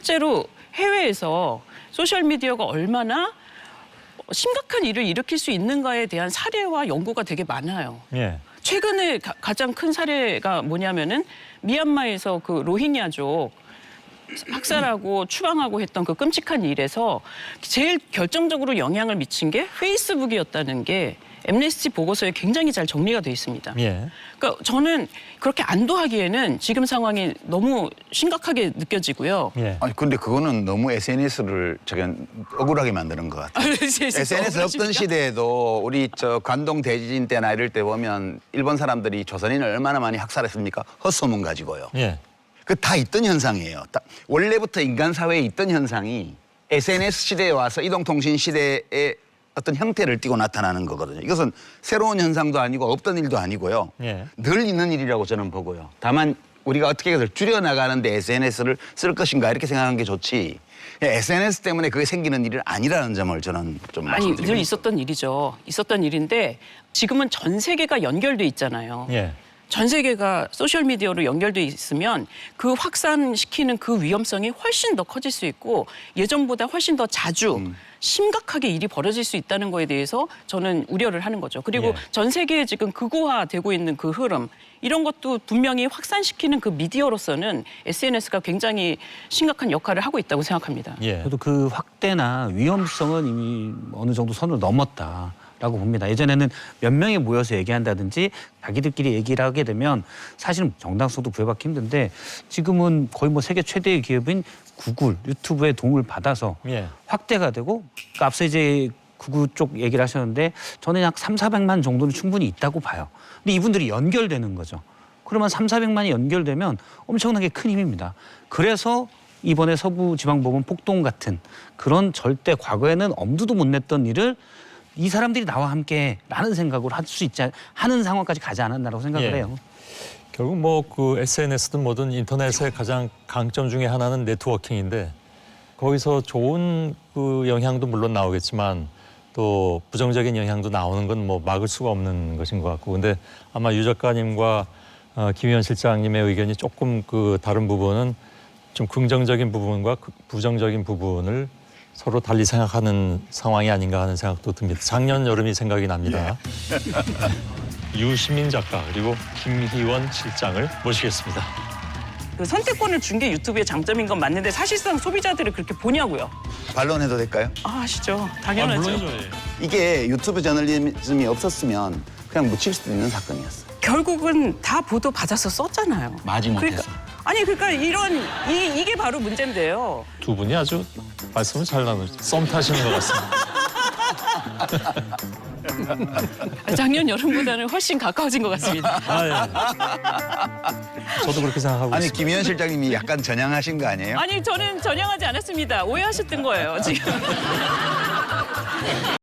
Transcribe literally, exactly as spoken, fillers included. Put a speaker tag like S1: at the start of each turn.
S1: 실제로 해외에서 소셜미디어가 얼마나 심각한 일을 일으킬 수 있는가에 대한 사례와 연구가 되게 많아요.
S2: 예.
S1: 최근에 가, 가장 큰 사례가 뭐냐면은 미얀마에서 그 로힝야족 학살하고 추방하고 했던 그 끔찍한 일에서 제일 결정적으로 영향을 미친 게 페이스북이었다는 게 엠네스티 보고서에 굉장히 잘 정리가 돼 있습니다.
S2: 예.
S1: 그러니까 저는 그렇게 안도하기에는 지금 상황이 너무 심각하게 느껴지고요.
S2: 예.
S3: 아니 근데 그거는 너무 에스엔에스를 저기 억울하게 만드는 것 같아요. 에스엔에스 없던 시대에도 우리 저 관동 대지진 때나 이럴 때 보면 일본 사람들이 조선인을 얼마나 많이 학살했습니까? 헛소문 가지고요.
S2: 예.
S3: 그 다 있던 현상이에요. 다 원래부터 인간 사회에 있던 현상이 에스엔에스 시대에 와서 이동통신 시대에 어떤 형태를 띠고 나타나는 거거든요. 이것은 새로운 현상도 아니고 없던 일도 아니고요.
S2: 예.
S3: 늘 있는 일이라고 저는 보고요. 다만 우리가 어떻게 해서 줄여나가는데 에스엔에스를 쓸 것인가 이렇게 생각하는 게 좋지. 에스엔에스 때문에 그게 생기는 일은 아니라는 점을 저는 좀
S1: 아니 늘
S3: 말씀드립니다.
S1: 있었던 일이죠. 있었던 일인데 지금은 전 세계가 연결돼 있잖아요.
S2: 예.
S1: 전 세계가 소셜미디어로 연결돼 있으면 그 확산시키는 그 위험성이 훨씬 더 커질 수 있고 예전보다 훨씬 더 자주
S3: 음.
S1: 심각하게 일이 벌어질 수 있다는 거에 대해서 저는 우려를 하는 거죠. 그리고
S2: 예.
S1: 전 세계에 지금 극우화되고 있는 그 흐름 이런 것도 분명히 확산시키는 그 미디어로서는 에스엔에스가 굉장히 심각한 역할을 하고 있다고 생각합니다.
S2: 예.
S4: 그래도 그 확대나 위험성은 이미 어느 정도 선을 넘었다. 라고 봅니다. 예전에는 몇 명이 모여서 얘기한다든지 자기들끼리 얘기를 하게 되면 사실은 정당성도 부여받기 힘든데 지금은 거의 뭐 세계 최대의 기업인 구글, 유튜브의 도움을 받아서
S2: 예.
S4: 확대가 되고 그러니까 앞서 이제 구글 쪽 얘기를 하셨는데 저는 약 삼사백만 정도는 충분히 있다고 봐요. 근데 이분들이 연결되는 거죠. 그러면 삼사백만이 연결되면 엄청나게 큰 힘입니다. 그래서 이번에 서부지방법원 폭동 같은 그런 절대 과거에는 엄두도 못 냈던 일을 이 사람들이 나와 함께 라는 생각으로 할 수 있지 하는 상황까지 가지 않았나라고 생각을
S2: 예.
S4: 해요.
S2: 결국 뭐 그 에스엔에스든 뭐든 인터넷의 가장 강점 중에 하나는 네트워킹인데 거기서 좋은 그 영향도 물론 나오겠지만 또 부정적인 영향도 나오는 건 뭐 막을 수가 없는 것인 것 같고 근데 아마 유 작가님과 어, 김희원 실장님의 의견이 조금 그 다른 부분은 좀 긍정적인 부분과 그 부정적인 부분을 서로 달리 생각하는 상황이 아닌가 하는 생각도 듭니다. 작년 여름이 생각이 납니다. 유시민 작가 그리고 김희원 실장을 모시겠습니다.
S1: 그 선택권을 준 게 유튜브의 장점인 건 맞는데 사실상 소비자들을 그렇게 보냐고요.
S3: 반론해도 될까요?
S1: 아, 아시죠. 당연하죠.
S3: 이게 유튜브 저널리즘이 없었으면 그냥 묻힐 수도 있는 사건이었어요.
S1: 결국은 다 보도 받아서 썼잖아요.
S3: 마지못해서.
S1: 그러니까, 아니 그러니까 이런 이, 이게 바로 문제인데요.
S2: 두 분이 아주 말씀을 잘 나누죠. 썸 타시는 것 같습니다.
S1: 작년 여름보다는 훨씬 가까워진 것 같습니다.
S2: 아, 예. 저도 그렇게 생각하고
S3: 아니
S2: 있습니다.
S3: 김희원 실장님이 약간 전향하신 거 아니에요?
S1: 아니 저는 전향하지 않았습니다. 오해하셨던 거예요 지금.